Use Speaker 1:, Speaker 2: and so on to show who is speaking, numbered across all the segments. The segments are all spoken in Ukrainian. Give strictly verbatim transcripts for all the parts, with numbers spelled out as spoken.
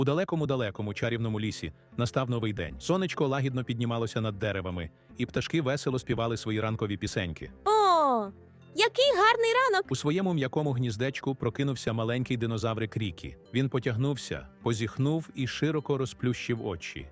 Speaker 1: У далекому-далекому чарівному лісі настав новий день. Сонечко лагідно піднімалося над деревами, і пташки весело співали свої ранкові пісеньки.
Speaker 2: О, який гарний ранок!
Speaker 1: У своєму м'якому гніздечку прокинувся маленький динозаврик Рікі. Він потягнувся, позіхнув і широко розплющив очі.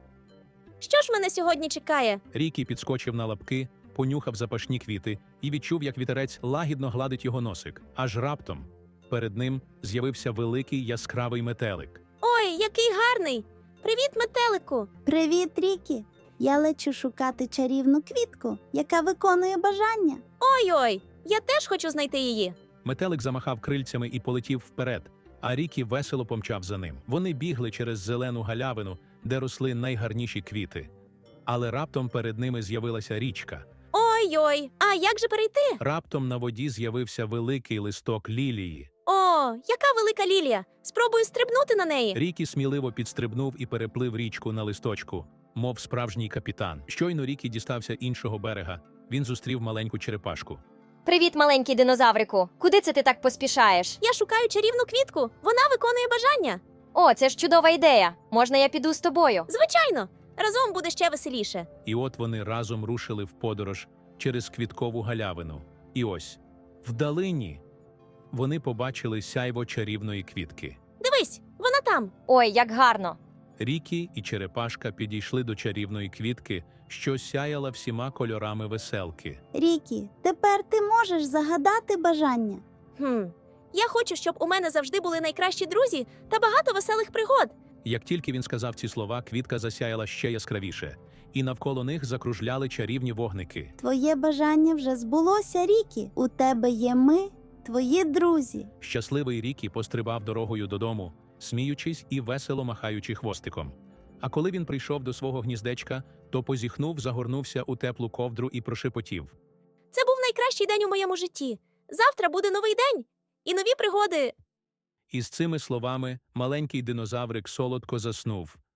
Speaker 2: Що ж мене сьогодні чекає?
Speaker 1: Рікі підскочив на лапки, понюхав запашні квіти і відчув, як вітерець лагідно гладить його носик. Аж раптом перед ним з'явився великий яскравий метелик.
Speaker 2: Ой, який гарний! Привіт, метелику!
Speaker 3: Привіт, Рікі! Я лечу шукати чарівну квітку, яка виконує бажання.
Speaker 2: Ой-ой, я теж хочу знайти її.
Speaker 1: Метелик замахав крильцями і полетів вперед, а Рікі весело помчав за ним. Вони бігли через зелену галявину, де росли найгарніші квіти. Але раптом перед ними з'явилася річка.
Speaker 2: Ой-ой, а як же перейти?
Speaker 1: Раптом на воді з'явився великий листок лілії.
Speaker 2: О, яка велика лілія! Спробую стрибнути на неї.
Speaker 1: Рікі сміливо підстрибнув і переплив річку на листочку, мов справжній капітан. Щойно Рікі дістався іншого берега, він зустрів маленьку черепашку.
Speaker 4: Привіт, маленький динозаврику. Куди це ти так поспішаєш?
Speaker 2: Я шукаю чарівну квітку. Вона виконує бажання.
Speaker 4: О, це ж чудова ідея. Можна я піду з тобою?
Speaker 2: Звичайно, разом буде ще веселіше.
Speaker 1: І от вони разом рушили в подорож через квіткову галявину. І ось, вдалині, вони побачили сяйво чарівної квітки.
Speaker 2: Дивись, вона там.
Speaker 4: Ой, як гарно.
Speaker 1: Рікі і черепашка підійшли до чарівної квітки, що сяяла всіма кольорами веселки.
Speaker 3: Рікі, тепер ти можеш загадати бажання.
Speaker 2: Хм. Я хочу, щоб у мене завжди були найкращі друзі та багато веселих пригод.
Speaker 1: Як тільки він сказав ці слова, квітка засяяла ще яскравіше, і навколо них закружляли чарівні вогники.
Speaker 3: Твоє бажання вже збулося, Рікі. У тебе є ми, твої друзі.
Speaker 1: Щасливий Рікі пострибав дорогою додому, сміючись і весело махаючи хвостиком. А коли він прийшов до свого гніздечка, то позіхнув, загорнувся у теплу ковдру і прошепотів.
Speaker 2: Це був найкращий день у моєму житті. Завтра буде новий день і нові пригоди.
Speaker 1: І з цими словами маленький динозаврик солодко заснув,